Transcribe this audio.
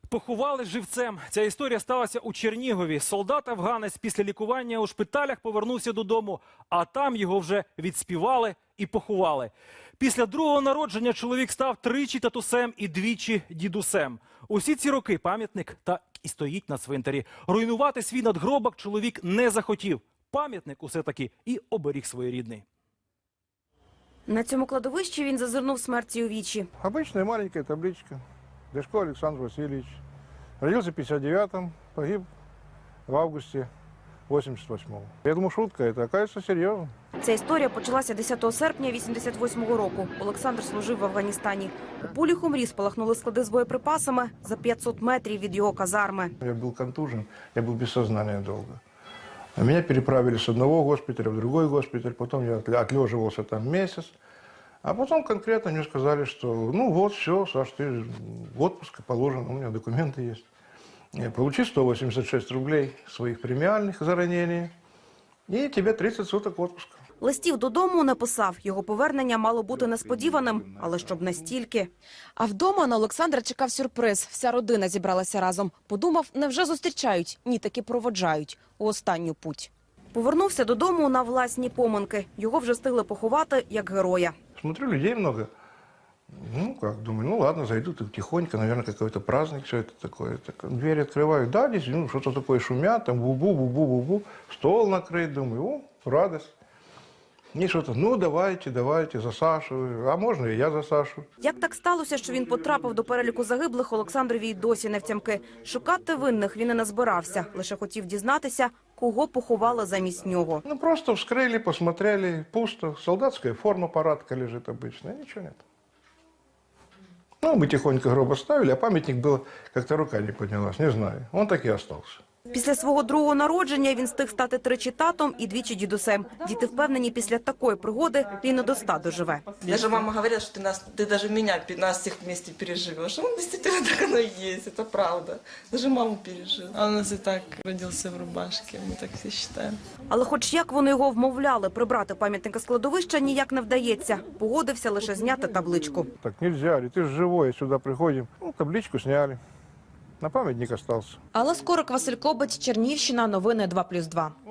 Поховали живцем. Ця історія сталася у Чернігові. Солдат-афганець після лікування у шпиталях повернувся додому, а там його вже відспівали і поховали. Після другого народження чоловік став тричі татусем і двічі дідусем. Усі ці роки пам'ятник так і стоїть на цвинтарі. Руйнувати свій надгробок чоловік не захотів. Пам'ятник усе-таки і оберіг своєрідний. На цьому кладовищі він зазирнув смерті у вічі. Обычная маленькая табличка. Дешко Александр Васильевич. Родился в 59-м, погиб в августе 88-го. Я думаю, шутка, это оказывается серьезно. Ця історія почалася 10 серпня 88-го року. Олександр служив в Афганістані. У полі Хумрі спалахнули склади з боєприпасами за 500 метрів від його казарми. Я был контужен, я был без сознания долго. Меня переправили с одного госпиталя в другой госпиталь, потом я отлеживался там месяц. А потом конкретно мне сказали, что ну вот, все, Саш, ты в отпуск положен, у меня документы есть. Получи 186 рублей своих премиальных за ранение, и тебе 30 суток отпуска. Листів додому не писав. Його повернення мало бути несподіваним, але щоб настільки. А вдома на Олександра чекав сюрприз. Вся родина зібралася разом. Подумав, невже зустрічають? Ні, таки проводжають у останню путь. Повернувся додому на власні поминки. Його вже встигли поховати як героя. Смотрю, людей много. Ну, как, думаю, ну ладно, зайду так тихонько, наверное, какой-то праздник, все это такое. Так, двери открываю, да, здесь ну, что-то такое шумят, там бу-бу-бу-бу-бу-бу, стол накрыт, думаю, о, радость. И что-то, ну давайте, за Сашу, а можно и я за Сашу. Як так сталося, що він потрапив до переліку загиблих, Олександрові й досі не втямки. Шукати винних він і не збирався, лише хотів дізнатися, кого поховали замість нього. Ну, просто вскрыли, посмотрели, пусто, солдатская форма, парадка лежит обычная, ничего нет. Ну, мы тихонько гроб оставили, а памятник был, как-то рука не поднялась, не знаю, он так и остался. Після свого другого народження він встиг стати тричі татом і двічі дідусем. Діти впевнені, після такої пригоди він і до 100 доживе. Даже мама говорила, что ты даже меня, нас всех вместе переживешь. Он действительно так оно и есть, это правда. Даже маму пережил. А у нас и так родился в рубашке, мы так все считаем. Але хоч як вони його вмовляли прибрати пам'ятника з кладовища, ніяк не вдається. Погодився лише зняти табличку. Так нельзя, ты же живой, сюда приходим. Ну, табличку сняли, на памятник остался. Алла Скорик, Василь Кобець, Чернігівщина, новини 2+2.